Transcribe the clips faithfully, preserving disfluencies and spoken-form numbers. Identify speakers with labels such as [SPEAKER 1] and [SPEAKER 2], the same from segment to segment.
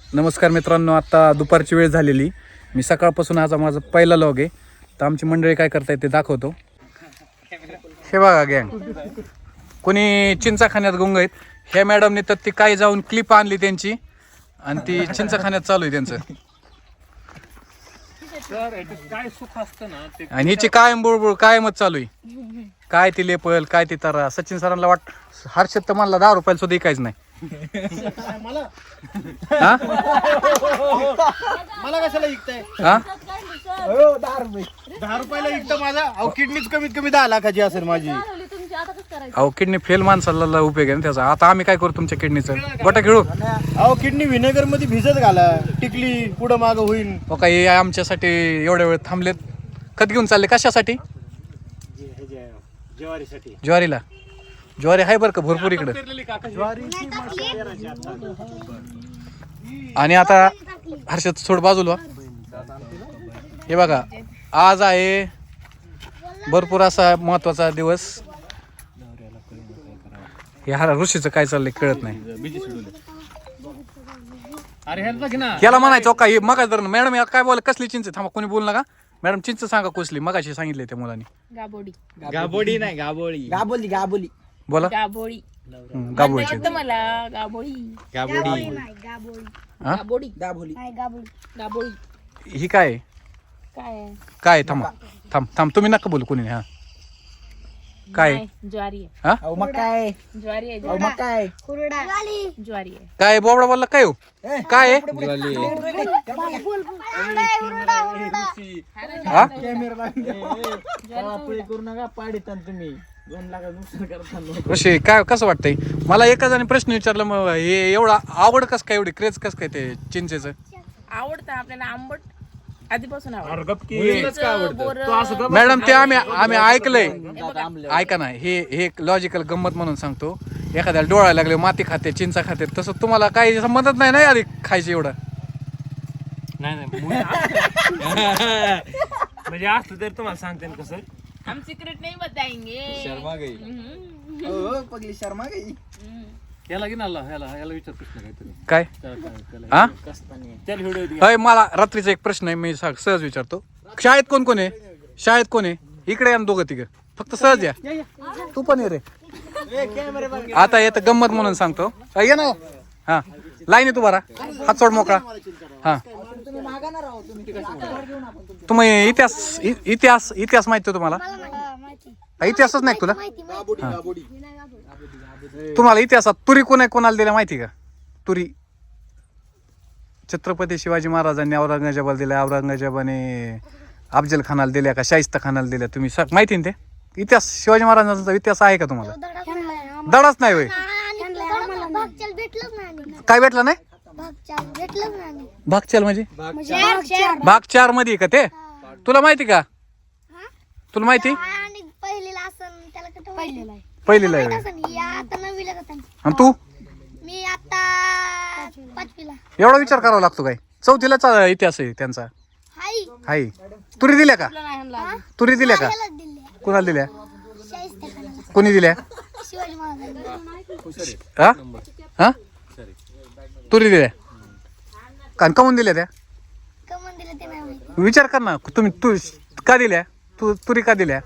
[SPEAKER 1] नमस्कार मित्रांनो, आता दुपारची वेळ झालेली. मी सकाळपासून आज माझा पहिला लॉग आहे. तर आमची मंडळी काय करतायत ते दाखवतो. हे बघा गँग, कोणी चिंचाखान्यात गुंग आहेत. ह्या मॅडमने तर ती काय जाऊन क्लिप आणली त्यांची आणि ती चिंचाखान्यात चालू आहे त्यांचं. आणि हिची कायम बुळबुळ कायमच चालू आहे. काय ती लेपल काय ती तर सचिन सरांना वाट हर्षद तर मला दहा रुपयाला सुद्धा काहीच नाही.
[SPEAKER 2] मला
[SPEAKER 1] हा
[SPEAKER 2] मला कशाला विकताय?
[SPEAKER 1] हा
[SPEAKER 2] दहा रुपये दहा रुपयाला विकता माझा. अहो किडनीच कमीत कमी दहा लाखाची असेल माझी.
[SPEAKER 1] अहो किडनी फेल माणसाला उपयोग आहे ना त्याचा. आता आम्ही काय करू तुमच्या किडनीचं? गोटा खेळू.
[SPEAKER 2] अहो किडनी व्हिनेगर मध्ये भिजत घाला, टिकली पुढं माग होईल.
[SPEAKER 1] हो काही आमच्यासाठी एवढ्या वेळ थांबलेत. खत घेऊन चालले कशासाठी?
[SPEAKER 2] ज्वारीसाठी.
[SPEAKER 1] ज्वारीला ज्वारी आहे बरं का भरपूर इकडं. आणि आता हर्षद सोड बाजूला. हे बघा, आज आहे भरपूर असा महत्वाचा दिवस. हे हा ऋषीचं काय चाललंय कळत नाही. याला म्हणायचं का मग मॅडम या काय बोल कसली चिंच थांबा कोणी बोल नका. मॅडम चिंच सांगा कसली मगाशी सांगितले त्या मुलांनी.
[SPEAKER 3] गाबोडी
[SPEAKER 2] गाबोडी नाही गाबोळी गाबोली गाबोली
[SPEAKER 1] बोला.
[SPEAKER 3] गाबोळी
[SPEAKER 1] गाबोळीची
[SPEAKER 3] मला गाबोळी
[SPEAKER 2] गाबोडी
[SPEAKER 1] हा
[SPEAKER 3] गाबोडी
[SPEAKER 2] गाबोली
[SPEAKER 3] गाबोळी
[SPEAKER 1] ही काय आहे?
[SPEAKER 3] काय आहे?
[SPEAKER 1] काय आहे? थांबा थांब थांब तुम्ही नका बोलू कोणी. हा काय आहे?
[SPEAKER 3] नाही, ज्वारी आहे.
[SPEAKER 1] हा
[SPEAKER 2] अहो मग काय
[SPEAKER 3] ज्वारी आहे
[SPEAKER 2] अहो मग काय
[SPEAKER 3] ज्वारी आहे.
[SPEAKER 1] काय बोबडा बोलला काय हो? काय आहे? हा
[SPEAKER 2] करू नका पाडीता तुम्ही दोन लाख नुकसान करता.
[SPEAKER 1] ऋषी काय कसं वाटतंय? मला एका जणी प्रश्न विचारला, मग हे एवढा आवड कस काय एवढी क्रेज कस काय ते चिंचेचं?
[SPEAKER 3] आवडतं आपल्याला आंबट आधीपासून आवडतं.
[SPEAKER 1] बोरं- मॅडम ते आम्ही आम्ही ऐकलंय. ऐका ना, हे हे लॉजिकल गंमत म्हणून सांगतो. एखाद्याला डोळा लागले माती खाते चिंचा खाते, तसं तुम्हाला काही संबंधच नाही ना आधी खायची एवढं.
[SPEAKER 4] नाही नाही म्हणजे असलं तरी तुम्हाला सांगते ना कसं.
[SPEAKER 3] हम सिक्रेट नहीं बताएंगे.
[SPEAKER 4] शर्मा गई
[SPEAKER 2] हो पगली शर्मा गई.
[SPEAKER 4] याला घेऊन आला ह्याला ह्याला विचार प्रश्न काहीतरी
[SPEAKER 1] काय
[SPEAKER 4] त्याला काय- त्याला
[SPEAKER 1] हा
[SPEAKER 4] त्याला व्हिडिओ
[SPEAKER 1] अय मला रात्रीचा एक प्रश्न आहे, मी सा- सहज विचारतो. शाळेत कोण कोण आहे? शाळेत कोण आहे? इकडे या ना दोघं तिघं, फक्त सहज या. तू पण ये रे. आता येतं गंमत म्हणून सांगतो. अय, ये ना. हा लाईन तू बरा हात सोड मोकळा. हा तुम्ही इतिहास इ- इतिहास इतिहास माहिती तुम्हाला? इतिहासच नाही तुला? तुम्हाला इतिहासात तुरी कोणा कोणाला दिल्या माहिती का? तुरी छत्रपती शिवाजी महाराजांनी औरंगजेबाला दिल्या, औरंगजेबाने अफजल खानाला दिल्या का शाहिस्ता खानाला दिल्या? तुम्ही सा- माहिती ना ते इतिहास? शिवाजी महाराजांचा इतिहास आहे का तुम्हाला? दडाच नाही होय. काय भेटलं नाही? भागचाल म्हणजे भाग चार मध्ये का ते? तुला माहिती का? तुला माहिती? पहिलीला आहे. आणि तू
[SPEAKER 5] मी आता पाचवीला.
[SPEAKER 1] एवढा विचार करावा लागतो काय? चौथीलाच इतिहास आहे त्यांचा.
[SPEAKER 5] हाय
[SPEAKER 1] हाय. तुरी दिल्या का? तुरी दिल्या का?
[SPEAKER 5] त्यालाच दिले.
[SPEAKER 1] कुणाला दिल्या?
[SPEAKER 5] शाहिस्ते खानाला.
[SPEAKER 1] कोणी दिल्या?
[SPEAKER 5] शिवाजी महाराजांनी.
[SPEAKER 1] हा हा तुरी दिल्या का? कमून दिल्या त्या?
[SPEAKER 5] कमन दिले ते नाही माहिती.
[SPEAKER 1] विचार कर ना तुम्ही. तू का दिल्या? तू तुरी का दिल्या?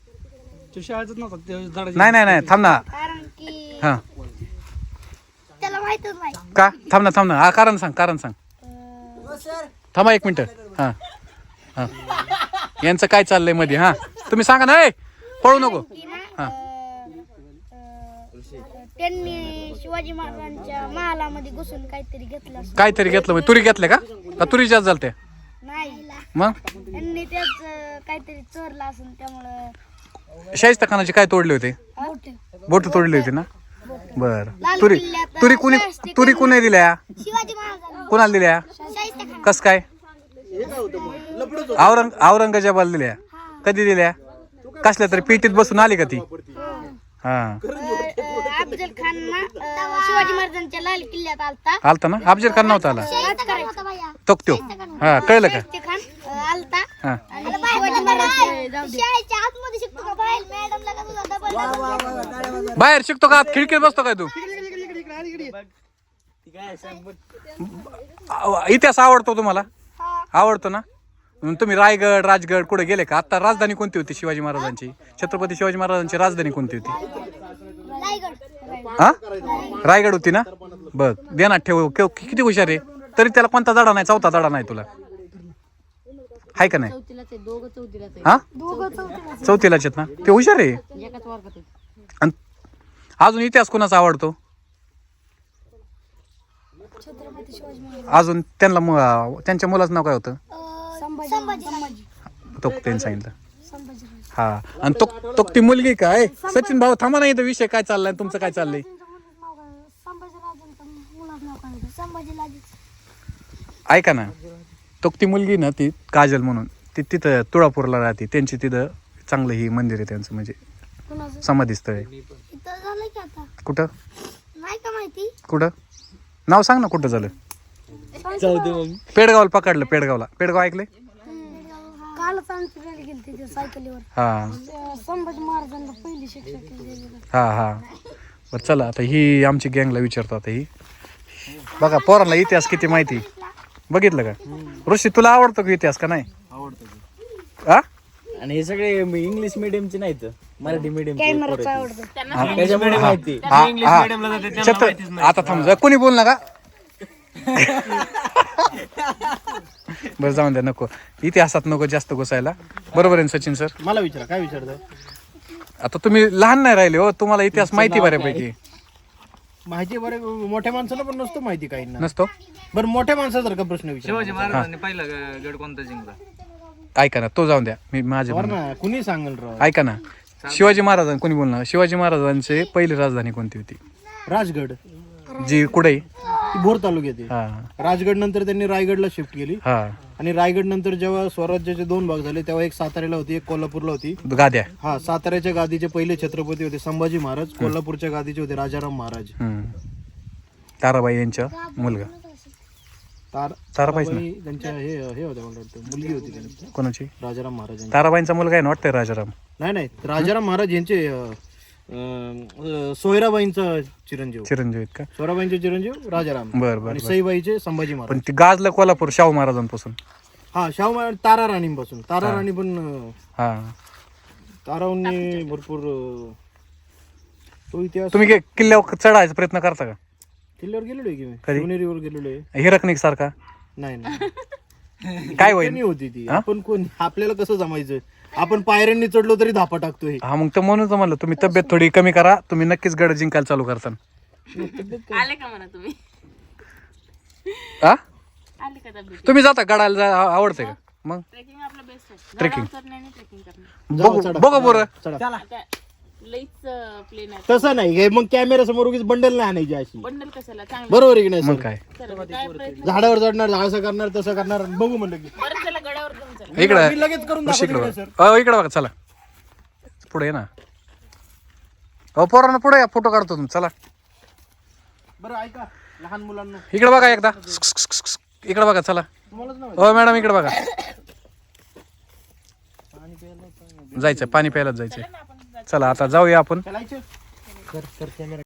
[SPEAKER 1] नाही नाही नाही थांब ना.
[SPEAKER 5] कारण की
[SPEAKER 1] हा
[SPEAKER 5] त्याला माहितच नाही.
[SPEAKER 1] का? थांब ना थांब ना. हा कारण सांग कारण सांग. थांबा एक मिनिट. हा हा यांचं काय चाललंय मध्ये? हा तुम्ही सांगा ना. ए पळू नको.
[SPEAKER 5] की ना,
[SPEAKER 1] हा.
[SPEAKER 5] अं, अं, त्यांनी शिवाजी महाराजांच्या महालामध्ये घुसून काहीतरी घेतलं असं.
[SPEAKER 1] काहीतरी घेतलं म्हणजे तुरी घेतल्या का? का तुरी जास्त झालते?
[SPEAKER 5] नाही
[SPEAKER 1] मग
[SPEAKER 5] त्यांनी त्याच अं, काहीतरी चोरलं असून त्यामुळं
[SPEAKER 1] शाहिस्ता खानाचे काय तोडले होते?
[SPEAKER 5] मोठं.
[SPEAKER 1] बोट तोडली होती ना? बर.
[SPEAKER 5] लाल
[SPEAKER 1] तुरी
[SPEAKER 5] किल्ल्यात
[SPEAKER 1] तुरी कुणी तुरी कुणी दिल्या?
[SPEAKER 5] शिवाजी महाराजांनी
[SPEAKER 1] कुणाला दिल्या?
[SPEAKER 5] शाहिस्ते खान.
[SPEAKER 1] कस काय? औरंग औरंगजेबाला दिल्या. कधी दिल्या? कसल्या तरी पेटीत बसून आली का ती? हा
[SPEAKER 5] अफजल खान ना अं, शिवाजी महाराजांच्या लाल किल्ल्यात आलता.
[SPEAKER 1] आलता ना? अफजल खान नव्हता आला?
[SPEAKER 5] शाहिस्ते खान होता भैया.
[SPEAKER 1] तोक्त्यो. हा कळलं का?
[SPEAKER 5] शाहिस्ते खान अं, आलता.
[SPEAKER 1] हा
[SPEAKER 5] आणि शिवाजी महाराज शाळेच्या आतमध्ये शिकतो का बाहेर? मॅडमला का तुझा डबल
[SPEAKER 1] बाहेर शिकतो का? आत खिडकीत बसतो काय तू? आ- इतिहास आवडतो तुम्हाला
[SPEAKER 5] हा
[SPEAKER 1] आवडतो ना मग तुम्ही रायगड राजगड कुठे गेले का आता राजधानी कोणती होती शिवाजी महाराजांची छत्रपती शिवाजी महाराजांची राजधानी कोणती होती
[SPEAKER 5] रायगड
[SPEAKER 1] हा रायगड होती ना बघ देणार ठेव केव- किती हुशार आहे तरी त्याला कोणता धडा नाही चौथा धडा नाही तुला हाय का नाही हा
[SPEAKER 5] दोघं चौथीला
[SPEAKER 1] चौथीलाच आहेत ना ते हुशार आहे आणि अजून इतिहास कोणाचा आवडतो
[SPEAKER 5] छत्रपती शिवाजी महाराज
[SPEAKER 1] अजून त्यांना मु- त्यांच्या मुलाचं नाव काय होतं
[SPEAKER 5] संभाजी संभाजी
[SPEAKER 1] तो त्यांनी सांगितलं
[SPEAKER 5] संभाजी
[SPEAKER 1] हा आणि तो तो ती मुलगी काय सचिन भाऊ थांबा नाही इथं विषय काय चाललाय तुमचं काय चाललंय
[SPEAKER 5] संभाजीराजांचं मुलाचं नाव काय होतं संभाजीराजे
[SPEAKER 1] ऐका ना तो ती मुलगी ना ती काजल म्हणून ती तिथं तुळापूरला राहते त्यांची तिथं चांगलं ही मंदिर आहे त्यांचं म्हणजे
[SPEAKER 5] कुणाचं
[SPEAKER 1] समाधी स्थळ आहे
[SPEAKER 5] इथं झालं की आता
[SPEAKER 1] कुठं
[SPEAKER 5] नाही का माहिती
[SPEAKER 1] कुठं नाव सांग ना कुठं झालं पेडगावला पकडलं पेडगावला पेडगाव ऐकले
[SPEAKER 5] कालच आमची गाडी गेली तिथे सायकलीवर
[SPEAKER 1] हा
[SPEAKER 5] संभाजी महाराजांना पहिली शिक्षा केली
[SPEAKER 1] हा हा बरं चला आता ही आमची गँगला विचारतो आता ही बघा पोरांना इतिहास किती माहिती बघितलं का ऋषी तुला आवडतो का इतिहास का नाही
[SPEAKER 6] आवडतं
[SPEAKER 1] हा
[SPEAKER 6] आणि हे सगळे इंग्लिश मिडियमचे नाहीत मराठी मिडियम
[SPEAKER 5] कॅमेराचं आवडतं
[SPEAKER 6] त्याच्यामुळे माहिती
[SPEAKER 1] हा, हा. छत्र आता थांब जा कोणी बोल नका बरं जाऊन द्या नको इतिहासात नको जास्त घुसायला बरोबर आहे ना सचिन सर
[SPEAKER 2] मला विचारा काय विचारताय
[SPEAKER 1] आता तुम्ही लहान नाही राहिले हो तुम्हाला इतिहास माहिती बऱ्यापैकी
[SPEAKER 2] माहिती बरे मोठ्या माणसाला पण नसतो माहिती काही ना
[SPEAKER 1] नसतो
[SPEAKER 2] बरं मोठ्या माणसासारखा प्रश्न विचार
[SPEAKER 4] शिवाजी महाराजांनी पहिला ग- गड कोणता जिंकला
[SPEAKER 1] ऐका ना तो जाऊन द्या मी माझे
[SPEAKER 2] बरं ना कुणी सांगेल राव
[SPEAKER 1] ऐका ना शिवाजी महाराजां कोणी बोलणार शिवाजी महाराजांची पहिली राजधानी कोणती होती
[SPEAKER 2] राजगड
[SPEAKER 1] जी कुठे
[SPEAKER 2] ती भोर तालुक्यात आहे.
[SPEAKER 1] हा
[SPEAKER 2] राजगड नंतर त्यांनी रायगडला शिफ्ट केली
[SPEAKER 1] हा
[SPEAKER 2] आणि रायगड नंतर जेव्हा स्वराज्याचे दोन भाग झाले तेव्हा एक साताऱ्याला होती एक कोल्हापूरला होती
[SPEAKER 1] गाद्या
[SPEAKER 2] हा साताऱ्याच्या गादीचे पहिले छत्रपती होते संभाजी महाराज कोल्हापूरच्या गादीचे होते राजाराम महाराज
[SPEAKER 1] हम्म. ताराबाई यांचा मुलगा
[SPEAKER 2] तार
[SPEAKER 1] ताराबाईच ना
[SPEAKER 2] ताराबाई त्यांच्या हे हे होत्या मला वाटतं मुलगी होती त्यांची
[SPEAKER 1] कोणाची
[SPEAKER 2] राजाराम महाराजांची
[SPEAKER 1] ताराबाईंचा मुलगा आहे ना वाटतंय राजाराम
[SPEAKER 2] नाही नाही राजाराम महाराज यांचे अं, अं, सोयराबाईंचा चिरंजीव
[SPEAKER 1] चिरंजीव आहेत का
[SPEAKER 2] सोयराबाईंचे चिरंजीव राजाराम
[SPEAKER 1] बर बर
[SPEAKER 2] आणि
[SPEAKER 1] बर.
[SPEAKER 2] सईबाईचे संभाजी महाराज
[SPEAKER 1] पण ती गाजलं कोल्हापूर शाहू महाराजांपासून
[SPEAKER 2] हा शाहू महाराज तारा राणीपासून तारा राणी पण अं,
[SPEAKER 1] हा
[SPEAKER 2] तारावनी भरपूर अं, तो इतिहास
[SPEAKER 1] तुम्ही गे- किल्ल्यावर चढायचा प्रयत्न करता का
[SPEAKER 2] किल्ल्यावर गेलेलो आहे की मी
[SPEAKER 1] कधी?
[SPEAKER 2] शिवनेरीवर गेलेलो आहे
[SPEAKER 1] हिरकणिक सारखा
[SPEAKER 2] नाही नाही
[SPEAKER 1] काय होईल
[SPEAKER 2] त्यांनी होती ती आपण कोण आपल्याला कसं जमायचं आपण पायऱ्यांनी चढलो तरी धापा टाकतोय
[SPEAKER 1] हा मग तर म्हणून तर म्हणलं तुम्ही तब्येत थोडी कमी करा तुम्ही नक्कीच गड जिंकायला चालू करता
[SPEAKER 3] आले का म्हणा तुम्ही
[SPEAKER 1] हा
[SPEAKER 3] आले का तब्येत
[SPEAKER 1] तुम्ही जाता गडाला जा आ- आवडते का मग
[SPEAKER 3] ट्रेकिंग आपलं बेस्ट आहे
[SPEAKER 1] Trekking.
[SPEAKER 3] गडावर चढणे आणि ट्रेकिंग करणं
[SPEAKER 1] बघू बघा बरं
[SPEAKER 2] चला
[SPEAKER 3] आता लईच प्लेन आहे
[SPEAKER 2] तसं नाही हे मग कॅमेरा समोर उगीच बंडल नाही आणायची अशी
[SPEAKER 3] बंडल कशाला चांगलं
[SPEAKER 2] बरोबर आहे की नाही
[SPEAKER 1] मग
[SPEAKER 2] सर?
[SPEAKER 1] काय
[SPEAKER 3] चला, काय प्रयत्न
[SPEAKER 2] झाडावर चढणार झाडसं करणार तसं करणार बघू म्हणलं की
[SPEAKER 3] बरं चला गडावर घेऊन चला
[SPEAKER 1] इकडं
[SPEAKER 2] मी लगेच करून
[SPEAKER 1] ऋषी
[SPEAKER 2] दाखवतो
[SPEAKER 1] इकडं
[SPEAKER 2] की नाही,
[SPEAKER 1] बघा अहो इकडं बघा चला पुढे ये ना अहो पोरांना पुढे या फोटो काढतो तुम्ही चला
[SPEAKER 2] सर बरं ऐका लहान मुलांना
[SPEAKER 1] इकडे बघा एकदा इकडे बघा चला
[SPEAKER 2] तुम्हालाच नाव
[SPEAKER 1] हो मॅडम इकडे बघा जायचं पाणी प्यायलाच जायचं चला आता जाऊया आपण
[SPEAKER 2] चालायचं